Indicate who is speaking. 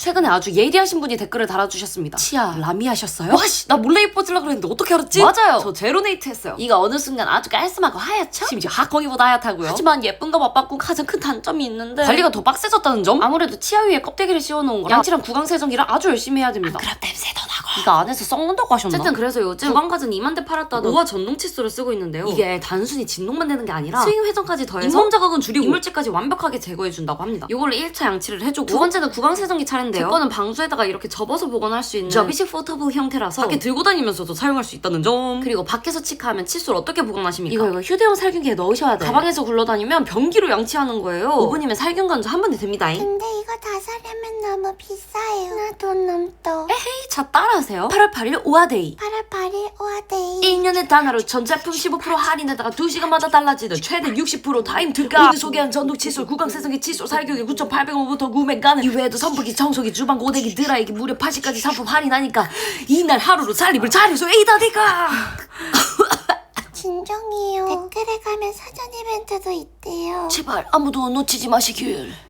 Speaker 1: 최근에 아주 예리하신 분이 댓글을 달아주셨습니다. 치아 라미 하셨어요? 와씨 나 몰래 예뻐지려고 그랬는데 어떻게 알았지? 맞아요. 저 제로네이트 했어요. 이가 어느 순간 아주 깔끔하고 하얗죠? 심지어 하콩이보다 하얗다고요? 하지만 예쁜 거 맞바꾼 가장 큰 단점이 있는데 관리가 더 빡세졌다는 점? 아무래도 치아 위에 껍데기를 씌워놓은 거라 양치랑 구강세정기를 아주 열심히 해야 됩니다. 그럼 냄새도 나고 이가 안에서 썩는다고 하셨나? 어쨌든 그래서 요즘 구강가전 2만 대 팔았다던 우아 전동 칫솔을 쓰고 있는데요. 이게 단순히 진동만 되는 게 아니라 스윙 회전까지 더해서 잇몸 자극은 줄이고 이물질까지 완벽하게 제거해준다고 합니다. 이걸로 1차 양치를 해주고 두 번째는 구강세정기 차례인데요. 제 거는 방수에다가 이렇게 접어서 보관할 수 있는 접이식 포터블 형태라서 밖에 들고 다니면서도 사용할 수 있다는 점. 그리고 밖에서 치카하면 칫솔 어떻게 보관하십니까? 이거 휴대용 살균기에 넣으셔야 돼요. 가방에서 굴러다니면 변기로 양치하는 거예요. 5분이면 살균 건조 한 번에 됩니다.
Speaker 2: 근데 이거 다 사려면 너무 비싸요. 나 돈 넘떠.
Speaker 1: 에헤이 자 따라하세요. 8월 8일 오아데이.
Speaker 2: 8월 8일 오아데이.
Speaker 1: 1년에 단하루 전 제품 15% 할인에다가 2시간마다 달라지는 최대 60% 타임 특가. 오늘 소개한 전동 칫솔, 구강세정기 칫솔 살균기 9,800원부터 구매 가능. 이외에도 선풍기, 청소기, 주방, 고데기, 드라이기 무려 80까지 상품 할인하니까 이날 하루로 살림을 잘해서 에이다니까.
Speaker 2: 진정이에요. 댓글에 가면 사전 이벤트도 있대요.
Speaker 1: 제발 아무도 놓치지 마시길.